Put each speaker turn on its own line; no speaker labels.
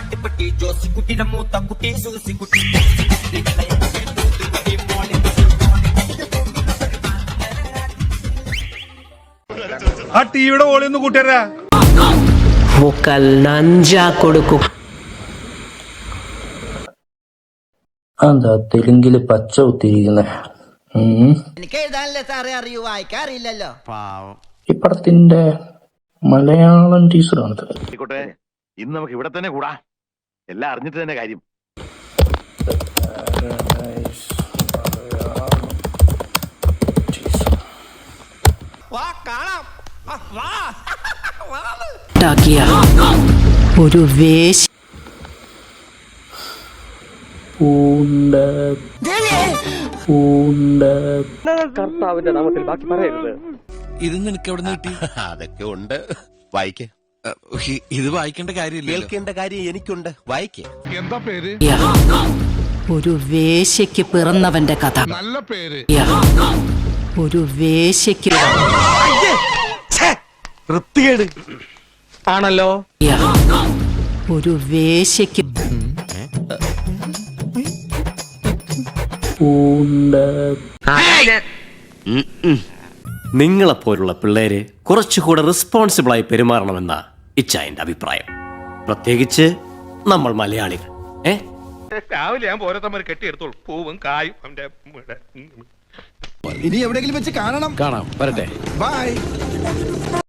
ആട്ടിപ്പട്ടി ജോസിക്കുട്ടിയുടെ മൂത്ത കുട്ടി സൂസിക്കുട്ടി.
ആ ടിവിയുടെ ഓളി ഒന്ന് കൂട്ടിയരാ.
എന്താ തെലുങ്കില് പച്ച കുത്തിയിരിക്കുന്നെ?
എനിക്ക് എഴുതാനല്ലേ സാറേ അറിയൂ, വായിക്കാറില്ലല്ലോ.
ഈ പടത്തിന്റെ മലയാളം ടീച്ചറാണ്.
ഇന്ന് നമുക്ക് ഇവിടെ തന്നെ കൂടാ, എല്ലാം അറിഞ്ഞിട്ട് തന്നെ കാര്യം.
ഒരു വേശ
കർത്താവിന്റെ നാമത്തിൽ ബാക്കി പറയരുത്.
ഇത് നിനക്ക് എവിടെ നിന്ന് കിട്ടി?
അതൊക്കെ ഉണ്ട്, വായിക്കേ.
ഇത് വായിക്കേണ്ട കാര്യമില്ല,
കേൾക്കേണ്ട കാര്യം എനിക്കുണ്ട്, വായിക്കേ.
എന്താ പേര്?
ഒരു വേശ്യയ്ക്ക് പിറന്നവന്റെ കഥ.
നല്ല പേര്.
ഒരു വേശ്യയ്ക്ക്
വൃത്തികേട് ആണല്ലോ.
ഒരു വേശ്യയ്ക്ക്
നിങ്ങളെപ്പോലുള്ള പിള്ളേര് കുറച്ചുകൂടെ റെസ്പോൺസിബിളായി പെരുമാറണമെന്ന ഇച്ചായന്റെ അഭിപ്രായം, പ്രത്യേകിച്ച് നമ്മൾ മലയാളികൾ.
രാവിലെ ഞാൻ ഓരോരുത്തന്മാർ കെട്ടിയെടുത്തോളൂ, പൂവും കായും.
ഇനി എവിടെയെങ്കിലും വെച്ച് കാണാം. വരട്ടെ.
ബൈ.